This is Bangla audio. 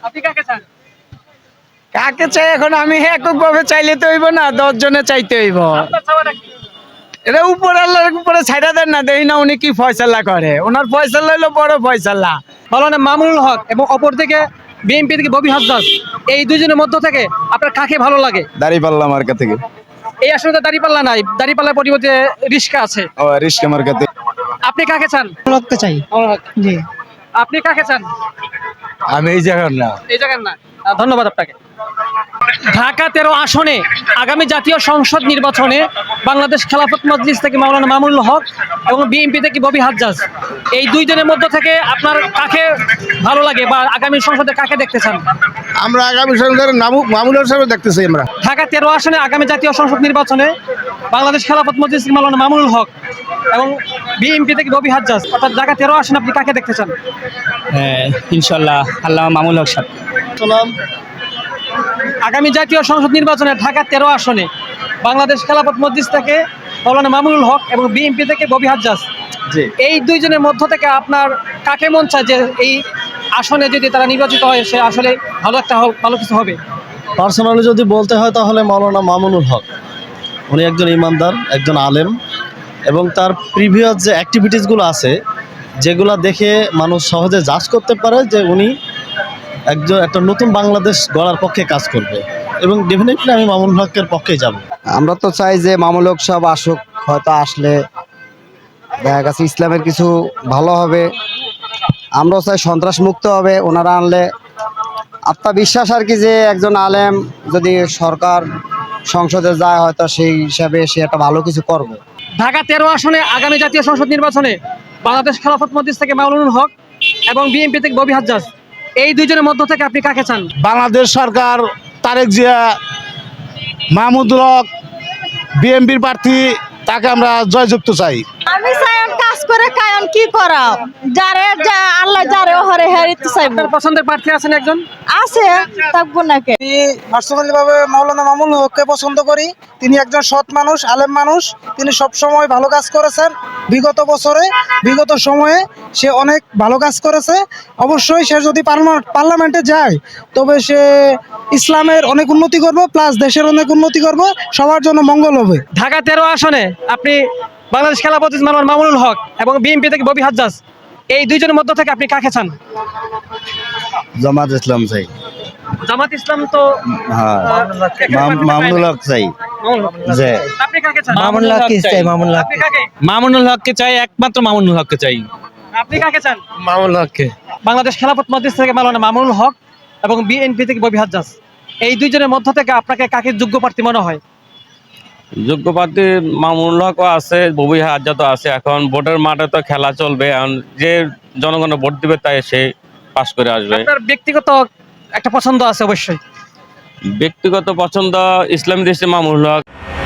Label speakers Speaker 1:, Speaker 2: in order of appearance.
Speaker 1: আপনি কাকে চান?
Speaker 2: কাকে চাই এখন আমি একক ভাবে চাইলে তো হইব না, 10 জনে চাইতে হইব।
Speaker 1: আপনার চাওয়াটা কি?
Speaker 2: এটা উপর আল্লাহর উপরে ছাইড়া দেন না, দেখি না উনি কি ফয়সালা করে। ওনার ফয়সালা হইলো বড় ফয়সালা।
Speaker 1: মাওলানা মামুনুল হক এবং অপর থেকে বিএনপি থেকে ববি হাসদাস, এই দুইজনের মধ্য থেকে আপনার কাকে ভালো লাগে?
Speaker 3: দাঁড়িপাল্লা মার্কা থেকে।
Speaker 1: এই আসলে তো দাঁড়িপাল্লা নাই, দাঁড়িপাল্লার পরিবর্তে রিস্কা আছে।
Speaker 3: ও রিস্কা মার্কা থেকে।
Speaker 1: আপনি কাকে চান?
Speaker 2: লোককে চাই।
Speaker 1: মামুনুল হক।
Speaker 2: জি।
Speaker 1: আপনি কাকে চান?
Speaker 2: আমি এই জায়গার না।
Speaker 1: এই জায়গার না। ধন্যবাদ আপনাকে। ঢাকা 13 আসনে আগামী জাতীয় সংসদ নির্বাচনে বাংলাদেশ খেলাফত মজলিস থেকে মাওলানা মামুনুল হক এবং বিএনপি থেকে ববি হাজ্জাজ, এই দুইজনের মধ্য থেকে আপনার কাকে ভালো লাগে বা আগামী সংসদে কাকে দেখতে চান?
Speaker 3: আমরা আগামী সরকারের মামুনুল সাহেব দেখতেছি আমরা।
Speaker 1: ঢাকা 13 আসনে আগামী জাতীয় সংসদ নির্বাচনে বাংলাদেশ খেলাফত মজলিস থেকে মাওলানা মামুনুল হক এবং বিএনপি থেকে ববি হাজ্জাজ, অর্থাৎ ঢাকা 13 আসনে আপনি কাকে দেখতে চান?
Speaker 4: হ্যাঁ ইনশাল্লাহ আল্লাহ মামুনুল হক সাহেব।
Speaker 1: আগামী জাতীয় সংসদ নির্বাচনে ঢাকা 13 আসনে বাংলাদেশ খেলাফত মজলিস থেকে মাওলানা মামুনুল হক এবং বিএনপি থেকে ববি হাজ্জাজ, এই দুইজনের মধ্য থেকে আপনার কাকে মন চায় যে এই আসনে যদি তারা নির্বাচিত হয় সে আসলে ভালো কিছু হবে?
Speaker 5: পার্সোনালি যদি বলতে হয় তাহলে মাওলানা মামুনুল হক। উনি একজন ইমানদার, একজন আলেম, এবং তার প্রিভিয়াস যে অ্যাক্টিভিটিসগুলো আছে যেগুলো দেখে মানুষ সহজে জাজ করতে পারে যে উনি একটা নতুন বাংলাদেশ গড়ার পক্ষে কাজ করবে, এবং ডেফিনেটলি আমি মামুনুল হকের পক্ষেই যাব।
Speaker 6: আমরা তো চাই যে মামুনুল হক সাহেব আসুক, হয়তো আসলে দেখা গেছে ইসলামের কিছু ভালো হবে। আমরাও চাই সন্ত্রাস মুক্ত হবে ওনারা আনলে। আত্মবিশ্বাস আর কি যে একজন আলেম যদি সরকার সংসদে যায় হয়তো সেই হিসাবে সে একটা ভালো কিছু করবে।
Speaker 1: ঢাকা 13 আসনে আগামী জাতীয় সংসদ নির্বাচনে বাংলাদেশ খেলাফত মজলিস থেকে মাওলানা হক এবং বিএনপি থেকে ববি হাজ্জাজ, এই দুইজনের মধ্য থেকে আপনি কাকে চান?
Speaker 3: বাংলাদেশ সরকার তারেক জিয়া, মাহমুদুল হক, বিএনপির প্রার্থী, তাকে আমরা জয়যুক্ত চাই।
Speaker 7: আমি চাই কাজ করে কায়ন কি করা, যারে যা আল্লাহ যারে হরে হেরিতে চাইব।
Speaker 1: আপনার পছন্দের প্রার্থী আছেন একজন?
Speaker 7: আছে, থাকবো নাকি।
Speaker 2: পার্সোনালি ভাবে মাওলানা মামুনুল হককে পছন্দ করি। তিনি একজন সৎ মানুষ, আলেম মানুষ। তিনি সব সময় ভালো কাজ করেছেন। বিগত সময়ে সে অনেক ভালো কাজ করেছে। অবশ্যই সে যদি পার্লামেন্টে যায় তবে সে ইসলামের অনেক উন্নতি করবে, প্লাস দেশের অনেক উন্নতি করবে, সবার জন্য মঙ্গল হবে।
Speaker 1: ঢাকা 13 আসনে আপনি বাংলাদেশ খেলাফত মজলিস মাওলানা মামুনুল হক এবং বিএনপি থেকে ববি হাজ্জাজ, এই দুইজনের মধ্য থেকে আপনি কাকে চান?
Speaker 6: জামাত ইসলাম চাই।
Speaker 1: জামাত ইসলাম তো
Speaker 6: হ্যাঁ, মামুনুল হক চাই। যে
Speaker 1: আপনি কাকে চান?
Speaker 2: মামুনুল হককে চাই।
Speaker 1: আপনি কাকে?
Speaker 4: মামুনুল হককে চাই, একমাত্র মামুনুল হককে চাই।
Speaker 1: আপনি কাকে চান?
Speaker 2: মামুনুল হককে।
Speaker 1: বাংলাদেশ খেলাফত মজলিস থেকে মাওলানা মামুনুল হক এবং বিএনপি থেকে ববি হাজ্জাজ, এই দুইজনের মধ্য থেকে আপনাকে কাকে যোগ্য প্রার্থী মনে হয়?
Speaker 8: যোগ্য প্রার্থী মামুনুল হকও আছে, ববি হাজ্জাজও আছে। এখন ভোটের মাঠে তো খেলা চলবে, এখন যে জনগণ ভোট দিবে তাই সে পাস করে আসবে।
Speaker 1: আপনার ব্যক্তিগত একটা পছন্দ আছে অবশ্যই।
Speaker 8: ব্যক্তিগত পছন্দ ইসলামী দেশে মামুনুল হক।